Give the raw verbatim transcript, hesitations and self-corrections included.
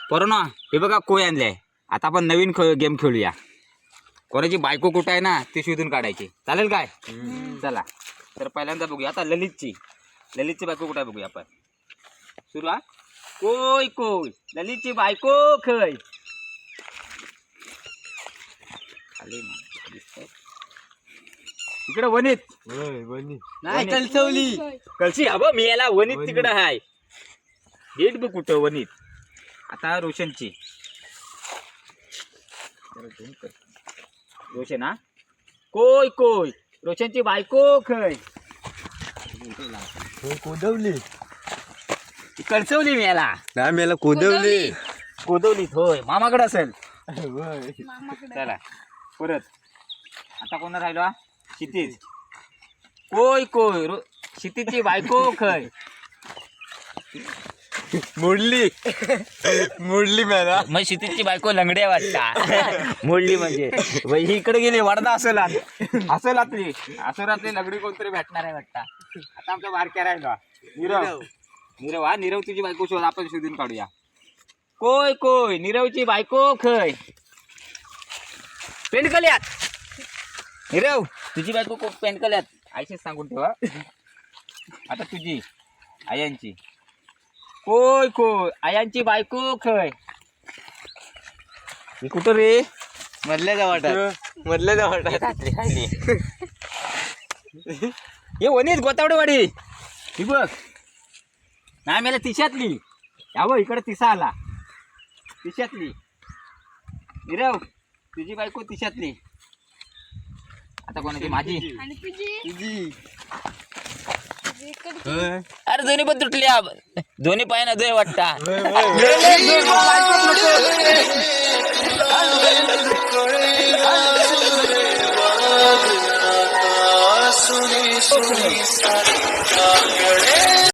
पोरांनो हे बघा कोय आणले. आता आपण नवीन गेम खेळूया. कोणाची बायको कुठं आहे ना ती शोधून काढायची. चालेल काय? चला तर पहिल्यांदा बघूया आता ललितची ललितची बायको कुठं आहे बघूया आपण. सुरू हा. कोय कोय ललितची बायको खय. इकडे वनीत नाही कलसवली कलसी हवं मी याला वनीत तिकडं हाय. हेट बघ कुठं वनीत. आता रोशनची रोशन हा. कोय कोय रोशनची बायको खय. कोदवली कलसवली मी याला नाही मेला कोदवली कोदवलीत होय मामाकडे असेल. चला परत आता कोणा राहिलो हा. क्षितिज कोय कोय रो क्षितिजची बायको खय. मोडली मोडली मेला मग क्षितिजची बायको लंगड्या वाटता. मोडली म्हणजे ही इकडे गेली वाडदा असेल असेल आतली असेल आतली लंगडी कोणतरी भेटणार आहे वाटता. आता आमच्या बारक्या राहिला नीरव नीरव हा नीरव तुझी बायको शोध आपण शोधून काढूया. कोय कोय नीरवची बायको खय. पेंडकल्यात नीरव तुझी बायको पेंडकल्यात आयशीच सांगून ठेवा. आता तुझी आयांची कोय कोय आयांची बायको खय. ही कुठं रे मधल्या जवाटात मधल्या जवळ खाली खाली हे वनीत गोतावडेवाडी. ही बघ नाही मला तिशातली यावं इकडे तिसा आला. तिशातली नीरव तुझी बायको तिशातली. आता कोणाची माझी तुझी अरे दोन्ही पण तुटल्या दोन्ही पायानं दोय वाटता.